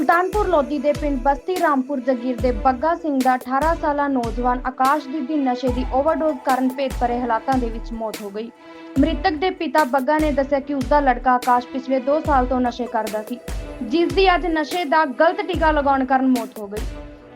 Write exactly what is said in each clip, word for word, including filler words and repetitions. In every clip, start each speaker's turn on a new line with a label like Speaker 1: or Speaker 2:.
Speaker 1: ਸੁਲਤਾਨपुर लोधी ਦੇ ਪਿੰਡ ਬਸਤੀ ਰਾਮਪੁਰ ਜਗੀਰ ਦੇ ਬੱਗਾ ਸਿੰਘ ਦਾ अठारह ਸਾਲਾ ਨੌਜਵਾਨ ਆਕਾਸ਼ਦੀਪ ਦੀ ਨਸ਼ੇ ਦੀ ਓਵਰਡੋਜ਼ ਕਾਰਨ ਭੇਤ ਭਰੇ ਹਾਲਾਤਾਂ ਦੇ ਵਿੱਚ ਮੌਤ ਹੋ ਗਈ। ਮ੍ਰਿਤਕ ਦੇ ਪਿਤਾ ਬੱਗਾ ਨੇ ਦੱਸਿਆ ਕਿ ਉਸ ਦਾ ਲੜਕਾ ਆਕਾਸ਼ ਪਿਛਲੇ दो ਸਾਲ ਤੋਂ ਨਸ਼ੇ ਕਰਦਾ ਸੀ, ਜਿਸ ਦੀ ਅੱਜ ਨਸ਼ੇ ਦਾ ਗਲਤ ਟੀਕਾ ਲਗਾਉਣ ਕਾਰਨ ਮੌਤ ਹੋ ਗਈ।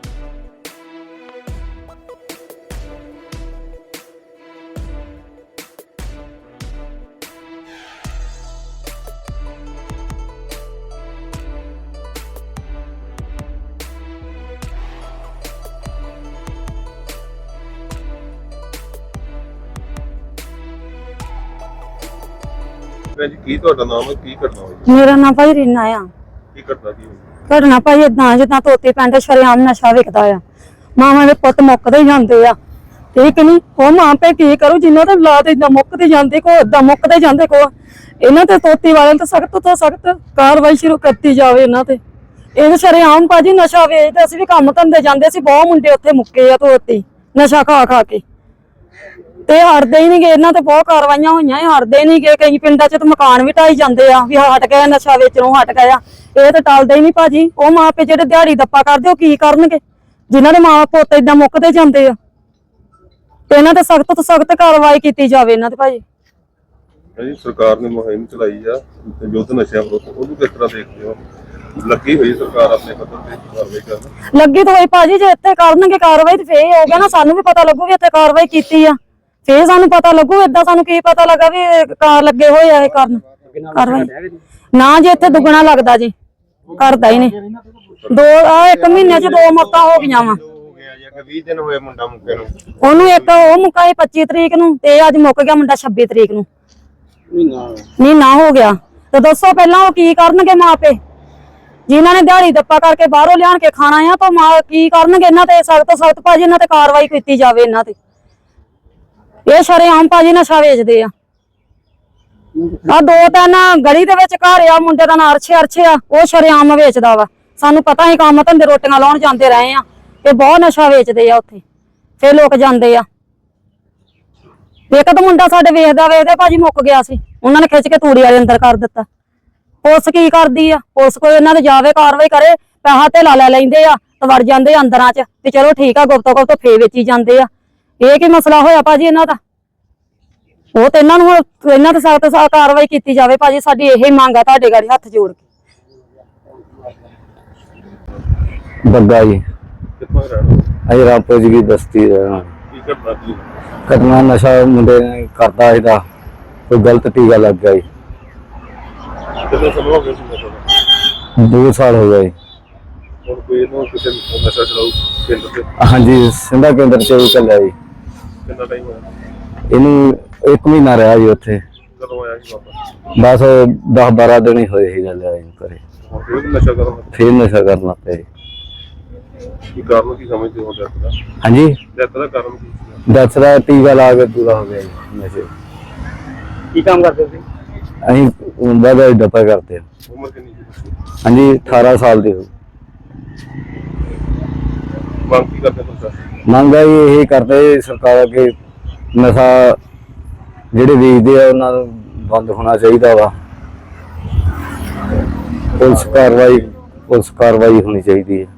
Speaker 2: ਕੀ ਤੁਹਾਡਾ ਨਾਮ ਹੈ? ਕੀ ਕਰਨਾ ਹੋਇਆ?
Speaker 3: ਮੇਰਾ ਨਾਮ ਭਾਈ ਰੀਨਾ ਆ।
Speaker 2: ਕੀ ਕਰਦਾ ਕੀ
Speaker 3: ਘਟਨਾ ਭਾਈ ਇਦਾਂ ਜਿੱਦਾਂ ਤੋਤੇ ਪਿੰਡ ਸ਼ਰੇਆਮ ਨਸ਼ਾ ਵਿਕਦਾ ਆ, ਮਾਵਾਂ ਦੇ ਪੁੱਤ ਮੁੱਕਦੇ ਜਾਂਦੇ ਆ, ਠੀਕ ਨਹੀਂ? ਉਹ ਮਾਂ ਪੇ ਕੀ ਕਰੂ ਜਿਨ੍ਹਾਂ ਦੇ ਔਲਾਦ ਇਦਾਂ ਮੁੱਕਦੇ ਜਾਂਦੇ, ਕੋ ਇਦਾਂ ਮੁੱਕਦੇ ਜਾਂਦੇ, ਕੋ ਇਹਨਾਂ ਤੇ ਤੋਤੀ ਵਾਲਿਆਂ ਤੇ ਸਖਤ ਤੋਂ ਸਖਤ ਕਾਰਵਾਈ ਸ਼ੁਰੂ ਕੀਤੀ ਜਾਵੇ। ਇਹਨਾਂ ਤੇ ਇਹ ਸ਼ਰੇਆਮ ਭਾਜੀ ਨਸ਼ਾ ਵੇਚਦੇ, ਅਸੀਂ ਵੀ ਕੰਮ ਧੰਦੇ ਜਾਂਦੇ ਸੀ, ਬਹੁਤ ਮੁੰਡੇ ਉੱਥੇ ਮੁੱਕੇ ਆ ਤੋਤੀ ਨਸ਼ਾ ਖਾ ਖਾ ਕੇ, ਤੇ ਹਟਦੇ ਹੀ ਨਹੀਂ ਗਏ। ਇਹਨਾਂ ਤੇ ਬਹੁਤ ਕਾਰਵਾਈਆਂ ਹੋਈਆਂ, ਹਟਦੇ ਨਹੀਂ ਗਏ। ਕਈ ਪਿੰਡਾਂ 'ਚ ਤਾਂ ਮਕਾਨ ਵੀ ਢਾਈ ਜਾਂਦੇ ਆ ਵੀ ਹਟ ਗਏ ਨਸ਼ਾ ਵੇਚਣੋਂ, ਹਟ ਗਿਆ। ਇਹ ਤਾਂ ਟਲਦੇ ਹੀ ਨਹੀਂ ਭਾਜੀ। ਉਹ ਮਾਂ ਪਿਓ ਜਿਹੜੇ ਦਿਹਾੜੀ ਦੱਪਾ ਕਰਦੇ ਉਹ ਕੀ ਕਰਨਗੇ ਜਿਨ੍ਹਾਂ ਦੇ ਮਾਂ ਪੁੱਤ ਏਦਾਂ ਮੁੱਕਦੇ ਜਾਂਦੇ ਆ? ਤੇ ਇਹਨਾਂ ਤੇ ਸਖਤ ਤੋਂ ਸਖਤ ਕਾਰਵਾਈ ਕੀਤੀ ਜਾਵੇ ਇਹਨਾਂ ਤੇ ਭਾਜੀ।
Speaker 2: ਸਰਕਾਰ ਨੇ ਮੁਹਿੰਮ ਚਲਾਈ ਆ ਯੁੱਧ ਨਸ਼ਿਆਂ ਵਿਰੁੱਧ, ਉਹਨੂੰ ਕਿਸ ਤਰ੍ਹਾਂ ਦੇਖਦੇ ਹੋ? ਲੱਗੀ ਹੋਈ ਸਰਕਾਰ ਆਪਣੇ ਪੱਧਰ ਤੇ ਕਾਰਵਾਈ ਕਰਨ
Speaker 3: ਲੱਗੀ ਤਾਂ ਹੋਈ ਭਾਜੀ। ਜੇ ਇੱਥੇ ਕਰਨਗੇ ਕਾਰਵਾਈ ਤੇ ਫੇਰ ਹੋ ਗਿਆ ਨਾ, ਸਾਨੂੰ ਵੀ ਪਤਾ ਲੱਗੂ ਵੀ ਇੱਥੇ ਕਾਰਵਾਈ ਕੀਤੀ ਆ, ਫੇਰ ਸਾਨੂੰ ਪਤਾ ਲੱਗੂ। ਏਦਾਂ ਸਾਨੂੰ ਕੀ ਪਤਾ ਲੱਗਾ ਵੀ ਕਾਰ ਲੱਗੇ ਹੋਏ ਆ ਇਹ ਕਰਨ ਕਾਰਵਾਈ? ਨਾ ਜੀ ਇੱਥੇ ਦੁੱਗਣਾ ਲੱਗਦਾ ਜੀ, ਕਰਦਾ ਹੀ ਨਹੀਂ। ਦੋ ਆ ਇੱਕ ਮਹੀਨੇ ਚ ਦੋ ਮੌਤਾਂ ਹੋ ਗਈਆਂ ਵਾ।
Speaker 2: ਵੀਹ ਦਿਨ ਹੋਏ ਮੁੰਡਾ ਮੁੱਕੇ ਨੂੰ।
Speaker 3: ਉਹਨੂੰ ਇੱਕ ਉਹ ਮੁੱਕਾ ਪੱਚੀ ਤਰੀਕ ਨੂੰ ਤੇ ਅੱਜ ਮੁੱਕ ਗਿਆ ਮੁੰਡਾ ਛੱਬੀ ਤਰੀਕ ਨੂੰ, ਮਹੀਨਾ ਹੋ ਗਿਆ। ਤੇ ਦੱਸੋ ਪਹਿਲਾਂ ਉਹ ਕੀ ਕਰਨਗੇ ਮਾਪੇ ਜਿਨ੍ਹਾਂ ਨੇ ਦਿਹਾੜੀ ਦੱਪਾ ਕਰਕੇ ਬਾਹਰੋਂ ਲਿਆਣ ਕੇ ਖਾਣਾ ਆ, ਤਾਂ ਮਾਂ ਕੀ ਕਰਨਗੇ? ਇਹਨਾਂ ਤੇ ਸਖਤ ਤੋਂ ਸਖਤ ਭਾਜੀ ਇਹਨਾਂ ਤੇ ਕਾਰਵਾਈ ਕੀਤੀ ਜਾਵੇ। ਇਹਨਾਂ ਤੇ ਇਹ ਸ਼ਰੇਆਮ ਭਾਜੀ ਨਸ਼ਾ ਵੇਚਦੇ ਆ। ਆ ਦੋ ਤਿੰਨ ਗਲੀ ਦੇ ਵਿੱਚ ਘਰ ਆ, ਮੁੰਡੇ ਦਾ ਨਾਂ ਅਰਸ਼ੇ ਅਰਸ਼ੇ ਆ, ਉਹ ਸ਼ਰੇਆਮ ਵੇਚਦਾ ਵਾ। ਸਾਨੂੰ ਪਤਾ ਹੀ ਕੰਮ ਧੰਦੇ ਰੋਟੀਆਂ ਲਾਉਣ ਜਾਂਦੇ ਰਹੇ ਆ, ਤੇ ਬਹੁਤ ਨਸ਼ਾ ਵੇਚਦੇ ਆ ਉੱਥੇ, ਫੇਰ ਲੋਕ ਜਾਂਦੇ ਆ। ਇੱਕ ਤਾਂ ਮੁੰਡਾ ਸਾਡੇ ਵੇਖਦਾ ਵੇਖਦੇ ਭਾਜੀ ਮੁੱਕ ਗਿਆ ਸੀ, ਉਹਨਾਂ ਨੇ ਖਿੱਚ ਕੇ ਤੂੜੀ ਵਾਲੇ ਅੰਦਰ ਕਰ ਦਿੱਤਾ। ਪੁਲਿਸ ਕੀ ਕਰਦੀ ਆ? ਪੁਲਿਸ ਕੋਈ ਇਹਨਾਂ ਦੇ ਜਾਵੇ ਕਾਰਵਾਈ ਕਰੇ, ਪੈਸਾ ਤੇ ਲਾ ਲੈ ਲੈਂਦੇ ਆ ਤੇ ਵੜ ਜਾਂਦੇ ਆ ਅੰਦਰਾਂ ਚ, ਤੇ ਚਲੋ ਠੀਕ ਆ ਗੁਪਤੋ ਗੁਪਤੋ ਫੇਰ ਵੇਚੀ ਜਾਂਦੇ ਆ। ਇਹ ਕੀ ਮਸਲਾ ਹੋਇਆ ਭਾਜੀ ਇਹਨਾਂ ਦਾ? ਉਹ ਤੇ ਇਹਨਾਂ ਨੂੰ ਇਹਨਾਂ ਤੇ ਸਖਤ ਸਖਤ ਕਾਰਵਾਈ ਕੀਤੀ ਜਾਵੇ ਭਾਜੀ। ਸਾਡੀ ਇਹੀ ਮੰਗ ਆ ਤੁਹਾਡੇ ਗਾੜੀ ਹੱਥ ਜੋੜ ਕੇ।
Speaker 4: ਬੱਗਾ ਜੀ,
Speaker 2: ਕਿੱਥੋਂ ਰਹਿਣਾ?
Speaker 4: ਅਸੀਂ ਰਾਮਪੁਰ ਜੀ ਦੀ ਬਸਤੀ ਰਹਿਣਾ।
Speaker 2: ਕੀ ਕਰਦਾ ਕੀ
Speaker 4: ਘਟਨਾ ਨਸ਼ਾ ਮੁੰਡੇ ਨੇ ਕਰਦਾ ਇਹਦਾ ਕੋਈ ਗਲਤ ਟੀਕਾ ਲੱਗ ਗਿਆ ਜੀ।
Speaker 2: ਕਿੰਨੇ ਸਮਾਂ ਹੋ ਗਿਆ ਸੀ ਨਸ਼ਾ ਦਾ?
Speaker 4: ਦੋ ਸਾਲ ਹੋ ਗਏ।
Speaker 2: ਹੁਣ ਕੋਈ ਇਹਨੂੰ ਕਿਸੇ ਨਸ਼ਾ ਛਡਾਊ ਕੇਂਦਰ ਤੇ?
Speaker 4: ਹਾਂਜੀ, ਸਿੰਧਾ ਕੇਂਦਰ ਚ ਉਹ ਚੱਲਿਆ ਜੀ।
Speaker 2: ਕਿੰਨਾ ਟਾਈਮ ਹੋਇਆ?
Speaker 4: ਇਹਨੂੰ ਇੱਕ ਮਹੀਨਾ ਰਿਹਾ ਜੀ ਉੱਥੇ।
Speaker 2: ਕਦੋਂ ਆਇਆ ਸੀ ਵਾਪਸ?
Speaker 4: ਬਸ ਦਸ ਬਾਰਾਂ ਦਿਨ ਹੀ ਹੋਏ ਸੀ ਗੱਲ ਆਈ ਘਰੇ।
Speaker 2: ਹੁਣ ਫਿਰ ਨਸ਼ਾ ਕਰਨ
Speaker 4: ਫੇਰ ਨਸ਼ਾ ਕਰਨ ਲੱਗ ਪਿਆ ਜੀ।
Speaker 2: ਕੀ ਕਾਰਨ ਕੀ ਸਮਝਦੇ ਹੋ ਡੈਥ ਦਾ?
Speaker 4: ਹਾਂਜੀ,
Speaker 2: ਡੈਥ ਦਾ ਕਾਰਨ ਕੀ ਸੀ?
Speaker 4: ਦਸ ਦਾ ਟੀਕਾ ਲਾ ਕੇ ਪੂਰਾ ਹੋ ਗਿਆ ਜੀ ਨਸ਼ੇ।
Speaker 2: ਕੀ ਕੰਮ ਕਰਦੇ ਸੀ?
Speaker 4: ਅਸੀਂ ਵਾਧਾ ਡੱਪਾ ਕਰਦੇ ਹਾਂ।
Speaker 2: ਉਮਰ ਕਿੰਨੀ ਸੀ?
Speaker 4: ਹਾਂਜੀ, ਅਠਾਰਾਂ ਸਾਲ ਦੇ ਹੋ।
Speaker 2: ਮੰਗ ਕੀ ਕਰਦੇ ਤੁਸੀਂ?
Speaker 4: ਮੰਗ ਇਹ ਕਰਦੇ ਸਰਕਾਰ ਅੱਗੇ ਨਸ਼ਾ ਜਿਹੜੇ ਵੇਚਦੇ ਆ ਉਹਨਾਂ ਨੂੰ ਬੰਦ ਹੋਣਾ ਚਾਹੀਦਾ ਵਾ। ਪੁਲਿਸ ਕਾਰਵਾਈ ਪੁਲਿਸ ਕਾਰਵਾਈ ਹੋਣੀ ਚਾਹੀਦੀ ਹੈ।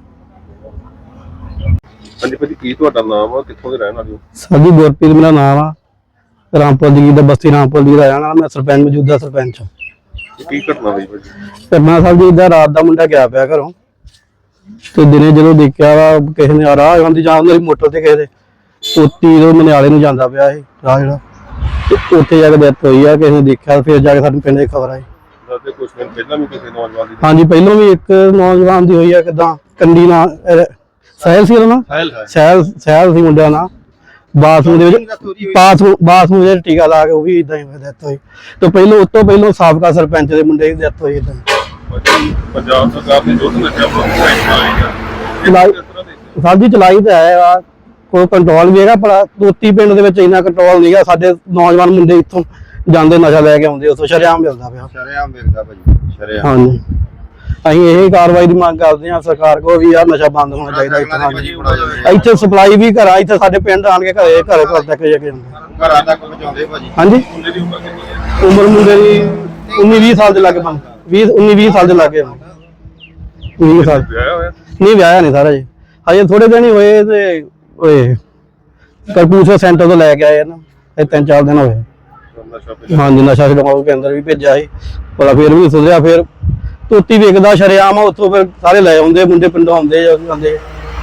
Speaker 2: ਹਾਂਜੀ ਭਾਜੀ, ਕੀ ਤੁਹਾਡਾ ਨਾਮ ਆ? ਕਿੱਥੋਂ ਦੇ ਰਹਿਣ ਵਾਲੇ ਹੋ?
Speaker 5: ਸਾਡੀ ਗੁਰਪ੍ਰੀਤ ਮੇਰਾ ਨਾਮ ਆ। ਰਾਮਪੁਰ ਦੀ ਦਾ ਬਸਤੀ ਰਾਮਪੁਰ ਦੀ ਰਹਿਣ ਵਾਲਾ ਮੈਂ, ਸਰਪੰਚ ਮੌਜੂਦਾ ਸਰਪੰਚ।
Speaker 2: ਕੀ ਘਟਨਾ ਹੋਈ ਭਾਜੀ?
Speaker 5: ਕਰਨਾ ਸਾਹਿਬ ਜੀ ਦਾ ਰਾਤ ਦਾ ਮੁੰਡਾ ਗਿਆ ਪਿਆ ਘਰੋਂ, ਤੇ ਦਿਨੇ ਜਦੋਂ ਦੇਖਿਆ ਵਾ ਕਿਸੇ ਨੇ ਰਾਹ ਆਉਂਦੀ ਜਾਂ ਮੇਰੀ ਮੋਟਰ ਤੇ ਕਿਸੇ ਦੇ ਤੋਤੀ ਤੋਂ ਮਨਿਆਲੇ ਨੂੰ ਜਾਂਦਾ ਪਿਆ ਇਹ ਰਾਹ ਜਿਹੜਾ, ਤੇ ਉੱਥੇ ਜਾ ਕੇ ਡੈਥ ਹੋਈ ਆ। ਕਿਸੇ ਨੇ ਦੇਖਿਆ, ਫਿਰ ਜਾ ਕੇ ਸਾਡੇ ਪਿੰਡ ਦੀ ਖਬਰ ਆਈ।
Speaker 2: ਦੱਸਦੇ ਕੁਝ ਦਿਨ ਪਹਿਲਾਂ ਵੀ ਕਿਸੇ ਨੌਜਵਾਨ ਦੀ?
Speaker 5: ਹਾਂਜੀ, ਪਹਿਲਾਂ ਵੀ ਇੱਕ ਨੌਜਵਾਨ ਦੀ ਹੋਈ ਆ। ਕਿੱਦਾਂ ਕੰਡੀ ਨਾਲ ਸਹਿਲ ਸੀ ਉਹਦਾ ਨਾ, ਸਹਿਲ ਸਹਿਲ ਸੀ ਮੁੰਡਿਆਂ ਨਾਲ। ਬਾਥਰੂਮ ਦੇ ਵਿੱਚ ਬਾਥਰੂਮ ਬਾਥਰੂਮ ਦੇ ਟੀਕਾ ਲਾ ਕੇ ਉਹ ਵੀ ਇਦਾਂ ਹੀ ਡੈਥ ਹੋਈ। ਤੇ ਪਹਿਲਾਂ ਉਸ ਤੋਂ ਪਹਿਲਾਂ ਸਾਬਕਾ ਸਰਪੰਚ ਦੇ ਮੁੰਡੇ ਦੀ ਡੈਥ ਹੋਈ ਇਦਾਂ।
Speaker 2: ਪੰਜਾਬ ਸਰਕਾਰ ਨੇ ਯੁੱਧ ਨਸ਼ਿਆਂ ਵਿਰੁੱਧ
Speaker 5: ਸਾਹਿਬ ਜੀ ਚਲਾਈ ਤਾਂ ਹੈ ਆ, ਕੋਈ ਕੰਟਰੋਲ ਵੀ ਹੈਗਾ, ਪਰ ਤੋਤੀ ਪਿੰਡ ਦੇ ਵਿੱਚ ਇੰਨਾ ਕੰਟਰੋਲ ਨਹੀਂ ਹੈਗਾ। ਸਾਡੇ ਨੌਜਵਾਨ ਮੁੰਡੇ ਇੱਥੋਂ ਜਾਂਦੇ ਨਸ਼ਾ ਲੈ ਕੇ ਆਉਂਦੇ, ਉੱਥੋਂ ਸ਼ਰੇਆਮ ਮਿਲਦਾ ਪਿਆ।
Speaker 2: ਸ਼ਰੇਆਮ ਮਿਲਦਾ ਭਾਜੀ, ਸ਼ਰੇਆਮ।
Speaker 5: ਹਾਂਜੀ, ਅਸੀਂ ਇਹ ਕਾਰਵਾਈ ਦੀ ਮੰਗ ਕਰਦੇ ਹਾਂ ਸਰਕਾਰ ਕੋਲ ਵੀ ਯਾਰ ਨਸ਼ਾ ਬੰਦ ਹੋਣਾ ਚਾਹੀਦਾ ਇੱਥੇ। ਇੱਥੇ ਸਪਲਾਈ ਵੀ ਘਰਾਂ, ਇੱਥੇ ਸਾਡੇ ਪਿੰਡ ਆਣ ਕੇ ਘਰੇ ਘਰੇ ਘਰ ਤੱਕ ਜਾ ਕੇ
Speaker 2: ਘਰਾਂ ਤੱਕ ਪਹੁੰਚਾਉਂਦੇ ਭਾਜੀ।
Speaker 5: ਹਾਂਜੀ,
Speaker 2: ਮੁੰਡੇ ਦੀ ਉਮਰ ਕਿੰਨੀ ਹੈ?
Speaker 5: ਉਮਰ ਮੁੰਡੇ ਦੀ ਉੱਨੀ ਵੀਹ ਸਾਲ ਦੇ ਲਾਗੇ ਬਣ ਵੀਹ ਉੱਨੀ ਵੀਹ ਸਾਲ ਦੇ ਲਾਗੇ। ਵੀਹ ਸਾਲ
Speaker 2: ਵਿਆਹਿਆ ਹੋਇਆ
Speaker 5: ਨਹੀਂ ਵਿਆਹਿਆ ਨਹੀਂ ਸਾਰਾ ਜੀ, ਹਜੇ ਥੋੜੇ ਦਿਨ ਹੀ ਹੋਏ ਤੇ ਓਏ ਕਰਪੂਰਸਰ ਸੈਂਟਰ ਤੋਂ ਲੈ ਕੇ ਆਏ ਨਾ, ਇਹ ਤਿੰਨ ਚਾਰ ਦਿਨ ਹੋਏ।
Speaker 2: ਨਸ਼ਾ ਪੀਂਦਾ।
Speaker 5: ਹਾਂਜੀ ਨਸ਼ਾ ਛਡਾਊ ਕੇਂਦਰ ਵੀ ਭੇਜਿਆ ਸੀ, ਪਰ ਫਿਰ ਵੀ ਸੁਧਰਿਆ। ਫਿਰ ਧੋਤੀ ਵੇਚਦਾ ਸ਼ਰੇਆਮ, ਉੱਥੋਂ ਫਿਰ ਸਾਰੇ ਲੈ ਆਉਂਦੇ ਮੁੰਡੇ ਪਿੰਡੋਂ ਆਉਂਦੇ ਜਾਂਦੇ।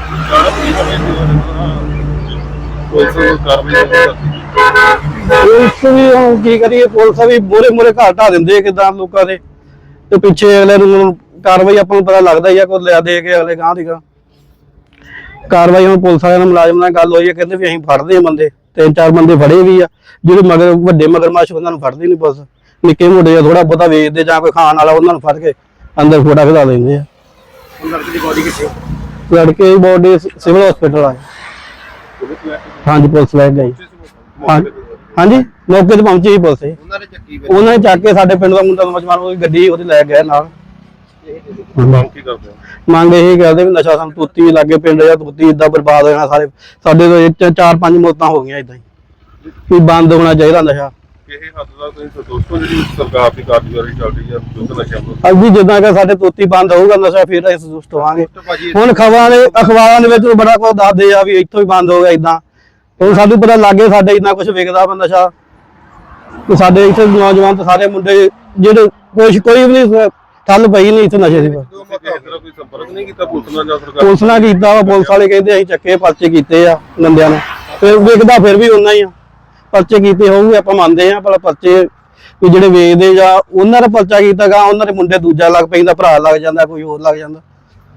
Speaker 5: ਪੁਲਿਸ ਵੀ ਹੁਣ ਕੀ ਕਰੀਏ, ਪੁਲਿਸ ਵੀ ਮੋਰੇ ਮੋਰੇ ਘਰ ਢਾ ਦਿੰਦੇ ਕਿਦਾਂ ਲੋਕਾਂ ਦੇ, ਤੇ ਪਿੱਛੇ ਅਗਲੇ ਨੂੰ ਕਾਰਵਾਈ ਆਪਾਂ ਨੂੰ ਪਤਾ ਲੱਗਦਾ ਹੀ ਆ, ਕੋਈ ਲਿਆ ਦੇ ਕੇ ਅਗਲੇ ਗਾਂਹ ਦੀ ਗਾਂਹ ਕਾਰਵਾਈ। ਹੁਣ ਪੁਲਿਸ ਵਾਲਿਆਂ ਨਾਲ ਮੁਲਾਜ਼ਮ ਨਾਲ ਗੱਲ ਹੋਈ ਹੈ, ਕਹਿੰਦੇ ਵੀ ਅਸੀਂ ਫੜਦੇ ਆ ਬੰਦੇ, ਤਿੰਨ ਚਾਰ ਬੰਦੇ ਫੜੇ ਵੀ ਆ। ਜਿਹੜੇ ਮਗਰ ਵੱਡੇ ਮਗਰਮੱਛ ਉਹਨਾਂ ਨੂੰ ਫੜਦੀ ਨਹੀਂ ਪੁਲਿਸ, ਨਿੱਕੇ ਮੋਟੇ ਥੋੜਾ ਬਹੁਤਾ ਵੇਚਦੇ ਜਾਂ ਕੋਈ ਖਾਣ ਵਾਲਾ ਉਹਨਾਂ ਨੂੰ ਫੜ ਕੇ ਅੰਦਰ ਫੋਟਾ ਖਿਲਾ ਲੈਂਦੇ ਆ।
Speaker 6: ਲੜਕੇ ਦੀ ਬੋਡੀ ਕਿੱਥੇ?
Speaker 5: ਲੜਕੇ ਦੀ ਬੋਡੀ ਸਿਵਲ ਹਸਪੀਟਲ ਆ। ਹਾਂਜੀ ਪੁਲਿਸ ਲੈ ਗਈ। ਹਾਂਜੀ ਮੌਕੇ ਤੇ ਪਹੁੰਚੀ ਸੀ ਪੁਲਿਸ।
Speaker 6: ਉਹਨਾਂ ਨੇ ਚੱਕੀ ਵਿੱਚ
Speaker 5: ਉਹਨਾਂ ਨੇ ਚੱਕ ਕੇ ਸਾਡੇ ਪਿੰਡ ਦਾ ਮੁੰਡਾ ਨੌਜਵਾਨ ਉਹਦੀ ਗੱਡੀ ਉਹਦੀ ਲੈ ਗਏ ਨਾਲ।
Speaker 2: ਮੰਗ ਕੀ ਕਰਦੇ ਹੋ?
Speaker 5: ਮੰਗ ਇਹ ਕਰਦੇ ਵੀ ਨਸ਼ਾ ਸਾਨੂੰ ਤੁੱਤੀ ਲੱਗੇ ਪਿੰਡ ਜਾਂ ਤੁੱਤੀ ਏਦਾਂ ਬਰਬਾਦ ਹੋ ਜਾਣਾ ਸਾਰੇ। ਸਾਡੇ ਤੋਂ ਇਹ ਚਾਰ ਪੰਜ ਮੌਤਾਂ ਹੋ ਗਈਆਂ ਏਦਾਂ ਹੀ, ਵੀ ਬੰਦ ਹੋਣਾ ਚਾਹੀਦਾ ਨਸ਼ਾ।
Speaker 2: ਕਿਸੇ ਹੱਦ ਦਾ ਤੁਸੀਂ ਸੰਤੁਸ਼ਟ ਹੋ ਜਿਹੜੀ ਸਰਕਾਰ ਦੀ ਕਾਰਜਕਾਰੀ ਚੱਲ ਰਹੀ ਹੈ ਯੁੱਧ ਨਸ਼ਿਆਂ ਵਿਰੁੱਧ?
Speaker 5: ਅੱਜ ਵੀ ਜਿੱਦਾਂ ਕਿ ਸਾਡੇ ਤੋਤੀ ਬੰਦ ਹੋਊਗਾ ਨਸ਼ਾ, ਫਿਰ ਅਸੀਂ ਸੰਤੁਸ਼ਟ ਹੋਵਾਂਗੇ। ਹੁਣ ਖਬਰਾਂ ਦੇ ਅਖਬਾਰਾਂ ਦੇ ਵਿੱਚ ਬੜਾ ਕੁਝ ਦੱਸਦੇ ਆ ਵੀ ਇੱਥੋਂ ਹੀ ਬੰਦ ਹੋ ਗਿਆ ਏਦਾਂ। ਹੁਣ ਸਾਨੂੰ ਪਤਾ ਲੱਗੇ ਸਾਡੇ ਇੰਨਾ ਕੁਝ ਵਿਕਦਾ ਵਾ ਨਸ਼ਾ, ਤੇ ਸਾਡੇ ਇੱਥੇ ਨੌਜਵਾਨ ਤੇ ਸਾਰੇ ਮੁੰਡੇ ਜਿਹੜੇ ਕੁਛ ਕੋਈ ਵੀ ਨਹੀਂ ਠੱਲ ਪਈ ਨਹੀਂ ਇੱਥੇ ਨਸ਼ੇ ਦੀ।
Speaker 2: ਤੁਸੀਂ ਕਿਸੇ ਤਰ੍ਹਾਂ ਕੋਈ ਸੰਪਰਕ ਨਹੀਂ ਕੀਤਾ ਪੁਲਿਸ ਨਾਲ ਜਾਂ ਸਰਕਾਰ?
Speaker 5: ਪੁਲਿਸ ਨਾਲ ਕੀਤਾ ਵਾ, ਪੁਲਿਸ ਵਾਲੇ ਕਹਿੰਦੇ ਅਸੀਂ ਚੱਕੇ ਪਰਚੇ ਕੀਤੇ ਆ ਬੰਦਿਆਂ ਨੂੰ, ਫਿਰ ਵਿਕਦਾ ਫਿਰ ਵੀ ਉਹਨਾਂ ਹੀ ਆ। ਪਰਚੇ ਕੀਤੇ ਹੋਊਗੇ ਆਪਾਂ ਮੰਨਦੇ ਆ, ਪਰ ਪਰਚੇ ਵੀ ਜਿਹੜੇ ਵੇਚਦੇ ਜਾਂ ਉਹਨਾਂ ਦਾ ਪਰਚਾ ਕੀਤਾ ਗਾ, ਉਹਨਾਂ ਦੇ ਮੁੰਡੇ ਦੂਜਾ ਲੱਗ ਪੈਂਦਾ, ਭਰਾ ਲੱਗ ਜਾਂਦਾ, ਕੋਈ ਹੋਰ ਲੱਗ ਜਾਂਦਾ।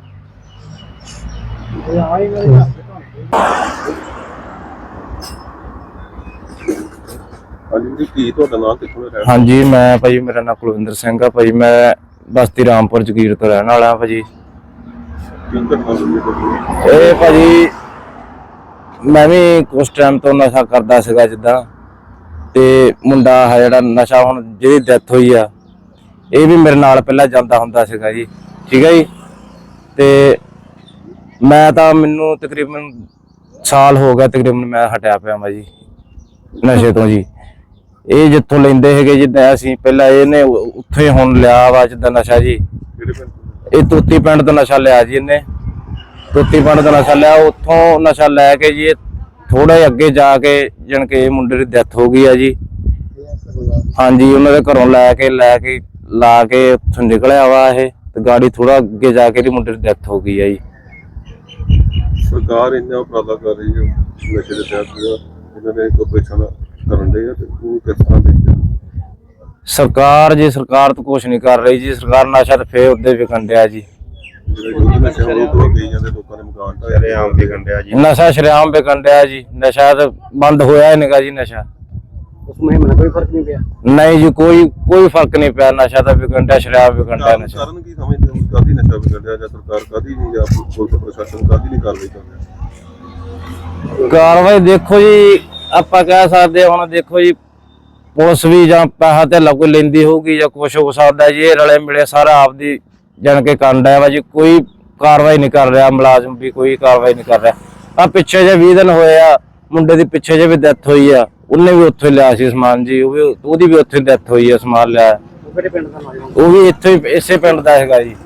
Speaker 2: ਹਾਂਜੀ ਜੀ, ਕੀ ਤੁਹਾਡਾ ਨਾਮ, ਕਿੱਥੋਂ ਦਾ ਰਹਿਣ?
Speaker 4: ਹਾਂਜੀ ਮੈਂ ਭਾਜੀ, ਮੇਰਾ ਨਾਮ ਕੁਲਵਿੰਦਰ ਸਿੰਘ ਆ ਭਾਜੀ, ਮੈਂ ਬਸਤੀ ਰਾਮਪੁਰ ਜਗੀਰ ਤੋਂ ਰਹਿਣ ਵਾਲਾ ਭਾਜੀ।
Speaker 2: ਕੀ ਘਟਨਾ ਹੋਈ ਹੈ ਤੁਹਾਡੀ?
Speaker 4: ਇਹ ਭਾਜੀ ਮੈਂ ਵੀ ਕੁਛ ਟਾਈਮ ਤੋਂ ਨਸ਼ਾ ਕਰਦਾ ਸੀਗਾ ਜਿੱਦਾਂ, ਤੇ ਮੁੰਡਾ ਹੈ ਜਿਹੜਾ ਨਸ਼ਾ ਹੁਣ ਜਿਹਦੀ ਡੈਥ ਹੋਈ ਆ, ਇਹ ਵੀ ਮੇਰੇ ਨਾਲ ਪਹਿਲਾਂ ਜਾਂਦਾ ਹੁੰਦਾ ਸੀਗਾ ਜੀ, ਠੀਕ ਹੈ ਜੀ। ਤੇ ਮੈਂ ਤਾਂ ਮੈਨੂੰ ਤਕਰੀਬਨ ਸਾਲ ਹੋ ਗਿਆ ਤਕਰੀਬਨ ਮੈਂ ਹਟਿਆ ਪਿਆ ਮੈਂ ਜੀ ਨਸ਼ੇ ਤੋਂ ਜੀ। ਇਹ ਜਿੱਥੋਂ ਲੈਂਦੇ ਹੈਗੇ ਜਿੱਦਾਂ ਅਸੀਂ ਪਹਿਲਾਂ ਇਹਨੇ ਉੱਥੇ ਹੀ ਹੁਣ ਲਿਆ ਵਾ ਜਿੱਦਾਂ ਨਸ਼ਾ ਜੀ।
Speaker 2: ਕਿਹੜੇ ਪਿੰਡ?
Speaker 4: ਇਹ ਤੋਤੀ ਪਿੰਡ ਤੋਂ ਨਸ਼ਾ ਲਿਆ ਜੀ ਇਹਨੇ, ਤੋਤੀ ਪਿੰਡ ਤੋਂ ਨਸ਼ਾ ਲਿਆ। ਉੱਥੋਂ ਨਸ਼ਾ ਲੈ ਕੇ ਜੀ ਥੋੜਾ ਅੱਗੇ ਜਾ ਕੇ ਜਾਣ ਕੇ ਇਹ ਮੁੰਡੇ ਦੀ ਡੈਥ ਹੋ ਗਈ ਆ ਜੀ। ਹਾਂਜੀ ਉਹਨਾਂ ਦੇ ਘਰੋਂ ਲੈ ਕੇ ਲੈ ਕੇ ਲਾ ਕੇ ਉੱਥੋਂ ਨਿਕਲਿਆ ਵਾ ਇਹ, ਤੇ ਗਾੜੀ ਥੋੜਾ ਅੱਗੇ ਜਾ ਕੇ ਇਹਦੀ ਮੁੰਡੇ ਦੀ ਡੈਥ ਹੋ ਗਈ ਆ ਜੀ।
Speaker 2: ਸਰਕਾਰ ਇੰਨਾ ਉਪਰਾਲਾ ਕਰ ਰਹੀ ਹੈ ਨਸ਼ੇ ਦੇ ਤਹਿਤ, ਇਹਨਾਂ ਨੇ ਆਪਰੇਸ਼ਨ ਕਰਨ ਦੇ ਆ, ਤੇ ਉਹ ਕਿਸ ਤਰ੍ਹਾਂ ਦੇਖਦੇ ਹੋ?
Speaker 4: ਸਰਕਾਰ ਜੀ ਸਰਕਾਰ ਤਾਂ ਕੁਛ ਨਹੀਂ ਕਰ ਰਹੀ ਜੀ। ਸਰਕਾਰ ਨਸ਼ਾ ਤਾਂ ਫੇਰ ਉੱਦੇ ਵਿਕਣ ਡਿਆ ਜੀ।
Speaker 2: ਜਿਹੜੇ ਯੁੱਧ ਨਸ਼ਿਆਂ ਵਿਰੁੱਧ ਹੋ ਗਈ ਜਾਂਦੇ ਲੋਕਾਂ ਦੇ ਮਕਾਨ ਢਾਏ ਰਹੇ, ਆਮ ਵਿਕਣ ਡਿਆ ਜੀ।
Speaker 4: ਨਸ਼ਾ ਸ਼ਰੇਆਮ ਵਿਕਣ ਡਿਆ ਜੀ। ਨਸ਼ਾ ਤਾਂ ਬੰਦ ਹੋਇਆ ਹੀ ਨਹੀਂਗਾ ਜੀ। ਨਸ਼ਾ
Speaker 5: ਉਸ ਮੁਹਿੰਮ ਨਾਲ ਕੋਈ ਫਰਕ ਨਹੀਂ ਪਿਆ?
Speaker 4: ਨਹੀਂ ਜੀ, ਕੋਈ ਕੋਈ ਫਰਕ ਨਹੀਂ ਪਿਆ। ਨਸ਼ਾ ਤਾਂ ਵਿਕਣ ਡਿਆ, ਸ਼ਰਾਬ ਵਿਕਣ ਡਿਆ। ਨਸ਼ਾ
Speaker 2: ਕਾਰਨ ਕੀ ਸਮਝਦੇ ਹੋ? ਕਾਹਦੀ ਨਸ਼ਾ ਵਿਕਣ ਡਿਆ, ਜਾਂ ਸਰਕਾਰ ਕਾਹਦੀ ਨਹੀਂ, ਜਾਂ ਪੁਲਿਸ ਪ੍ਰਸ਼ਾਸਨ ਕਾਹਦੀ ਨਹੀਂ ਕਾਰਵਾਈ ਕਰ ਰਿਹਾ?
Speaker 4: ਕਾਰਵਾਈ ਦੇਖੋ ਜੀ, ਆਪਾਂ ਕਹਿ ਸਕਦੇ ਹੁਣ ਦੇਖੋ ਜੀ, ਪੁਲਿਸ ਵੀ ਜਾਂ ਪੈਸਾ ਧੇਲਾ ਕੋਈ ਲੈਂਦੀ ਹੋਊਗੀ ਜਾਂ ਕੁਛ ਹੋ ਸਕਦਾ ਜੀ। ਇਹ ਰਲੇ ਮਿਲੇ ਸਾਰਾ ਆਪਦੀ ਜਾਣ ਕੇ ਕਰਨ ਡਿਆ ਵਾ ਜੀ। ਕੋਈ ਕਾਰਵਾਈ ਨਹੀਂ ਕਰ ਰਿਹਾ, ਮੁਲਾਜ਼ਮ ਵੀ ਕੋਈ ਕਾਰਵਾਈ ਨਹੀਂ ਕਰ ਰਿਹਾ। ਆ ਪਿੱਛੇ ਜੇ ਵੀਹ ਦਿਨ ਹੋਏ ਆ, ਮੁੰਡੇ ਦੀ ਪਿੱਛੇ ਜੇ ਵੀ ਡੈਥ ਹੋਈ ਆ, ਉਹਨੇ ਵੀ ਉੱਥੇ ਲਿਆ ਸੀ ਸਮਾਨ ਜੀ। ਉਹ ਵੀ ਉਹਦੀ ਵੀ ਉੱਥੇ ਡੈਥ ਹੋਈ ਆ, ਸਮਾਨ ਲਿਆ। ਉਹ ਵੀ ਇੱਥੇ ਹੀ ਇਸੇ ਪਿੰਡ ਦਾ ਹੈਗਾ ਜੀ।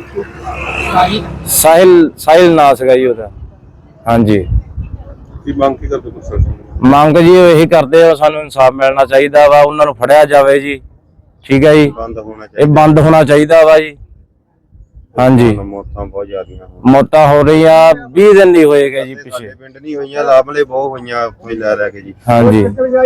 Speaker 4: ਸਾਹਿਲ ਸਾਹਿਲ ਨਾਂ ਸੀਗਾ ਜੀ ਉਹਦਾ। ਹਾਂਜੀ
Speaker 2: ਕੀ ਮੰਗ ਕੀ ਕਰਦੇ ਪ੍ਰਸ਼ਾਸਨ?
Speaker 4: ਮੰਗ ਜੀ ਇਹੀ ਕਰਦੇ ਆ, ਸਾਨੂੰ ਇਨਸਾਫ ਮਿਲਣਾ ਚਾਹੀਦਾ ਵਾ, ਉਹਨਾਂ ਨੂੰ ਫੜਿਆ ਜਾਵੇ ਜੀ, ਠੀਕ ਹੈ ਜੀ।
Speaker 6: ਬੰਦ ਹੋਣਾ
Speaker 4: ਇਹ ਬੰਦ ਹੋਣਾ ਚਾਹੀਦਾ ਵਾ ਜੀ। ਹਾਂਜੀ
Speaker 6: ਮੌਤਾਂ ਬਹੁਤ ਜ਼ਿਆਦੀਆਂ
Speaker 4: ਮੌਤਾਂ ਹੋ ਰਹੀਆਂ, ਵੀਹ ਦਿਨ ਨਹੀਂ ਹੋਏਗਾ ਜੀ ਪਿੱਛੇ।
Speaker 6: ਸਾਡੇ ਪਿੰਡ ਨਹੀਂ ਹੋਈਆਂ, ਲਾਭਲੇ ਬਹੁਤ ਹੋਈਆਂ ਕੋਈ ਲੈ ਲੈ ਕੇ ਜੀ।
Speaker 4: ਹਾਂਜੀ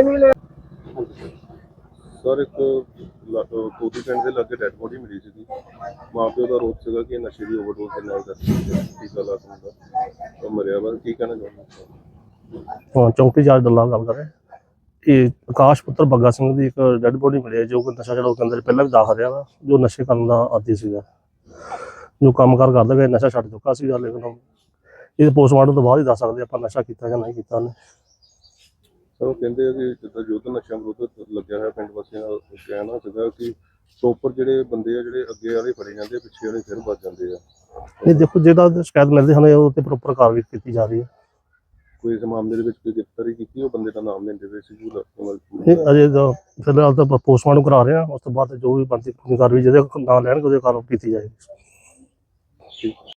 Speaker 2: ਸਰ, ਇੱਕ ਕੋਟੀ ਪਿੰਡ ਦੇ ਲਾਗੇ ਡੈਡ ਬੋਡੀ ਮਿਲੀ ਸੀਗੀ। ਮਾਂ ਪਿਓ ਦਾ ਰੋਪ ਸੀਗਾ ਕਿ ਨਸ਼ੇ ਦੀ ਓਵਰਡੋਜ਼ ਦੇ ਨਾਲ ਟੀਕਾ ਲਾ ਕੇ ਮੁੰਡਾ ਮਰਿਆ ਵਾ। ਕੀ ਕਹਿਣਾ ਚਾਹੁੰਦੇ?
Speaker 7: ਹਾਂ, ਚੌਂਕੀ ਜੱਜ ਦੱਲਾ ਗੱਲ ਕਰ ਰਹੇ। ਇਹ ਆਕਾਸ਼ ਪੁੱਤਰ ਬੱਗਾ ਸਿੰਘ ਦੀ ਇੱਕ ਡੈਡ ਬੋਡੀ ਮਿਲੀ ਹੈ, ਜੋ ਕਿ ਨਸ਼ਾ ਛਡਾਊ ਕੇਂਦਰ ਪਹਿਲਾਂ ਵੀ ਦਾਖਲ ਰਿਹਾ ਵਾ, ਜੋ ਨਸ਼ੇ ਕਰਨ ਦਾ ਆਦੀ ਸੀਗਾ, ਜੋ ਕੰਮ ਕਾਰ ਕਰਦਾ ਗਿਆ, ਨਸ਼ਾ ਛੱਡ ਚੁੱਕਾ ਸੀਗਾ। ਲੇਕਿਨ ਇਹ ਪੋਸਟਮਾਰਟਮ ਤੋਂ ਬਾਅਦ ਹੀ ਦੱਸ ਸਕਦੇ ਆਪਾਂ ਨਸ਼ਾ ਕੀਤਾ ਜਾਂ ਨਹੀਂ ਕੀਤਾ ਉਹਨੇ।
Speaker 2: ਸਰ, ਉਹ ਕਹਿੰਦੇ ਆ ਕਿ ਜਿੱਦਾਂ ਯੁੱਧ ਨਸ਼ਿਆਂ ਵਿਰੁੱਧ ਲੱਗਿਆ ਹੋਇਆ ਪਿੰਡ ਵਾਸੀਆਂ ਦਾ ਕਹਿਣਾ ਸੀਗਾ ਕਿ ਪ੍ਰੋਪਰ ਜਿਹੜੇ ਬੰਦੇ ਆ ਜਿਹੜੇ ਅੱਗੇ ਵਾਲੇ ਫੜੇ ਜਾਂਦੇ, ਪਿੱਛੇ ਵਾਲੇ ਫਿਰ ਬਚ ਜਾਂਦੇ ਆ।
Speaker 7: ਇਹ ਦੇਖੋ, ਜਿਹੜਾ ਸ਼ਿਕਾਇਤ ਮਿਲਦੀ ਸਾਨੂੰ ਉਹ ਤੇ ਪ੍ਰੋਪਰ ਕਾਰਵਾਈ ਕੀਤੀ ਜਾ ਰਹੀ ਹੈ।
Speaker 2: ਕੋਈ ਇਸ ਮਾਮਲੇ ਦੇ ਵਿੱਚ ਕੋਈ ਗ੍ਰਿਫਤਾਰੀ ਕੀਤੀ? ਉਹ ਬੰਦੇ ਦਾ ਨਾਮ ਲੈਂਦੇ ਪਏ ਸੀ।
Speaker 7: ਇਹ ਅਜੇ ਤਾਂ ਫਿਲਹਾਲ ਤਾਂ ਪੋਸਟਮਾਰਟਮ ਕਰਾ ਰਹੇ ਹਾਂ, ਉਸ ਤੋਂ ਬਾਅਦ ਜੋ ਵੀ ਬਣਦੀ ਕਾਰਵਾਈ ਜਿਹਦੇ ਨਾਂ ਲੈਣਗੇ ਉਹਦੇ ਕਾਰਵਾਈ ਕੀਤੀ ਜਾਏਗੀ।
Speaker 2: ਠੀਕ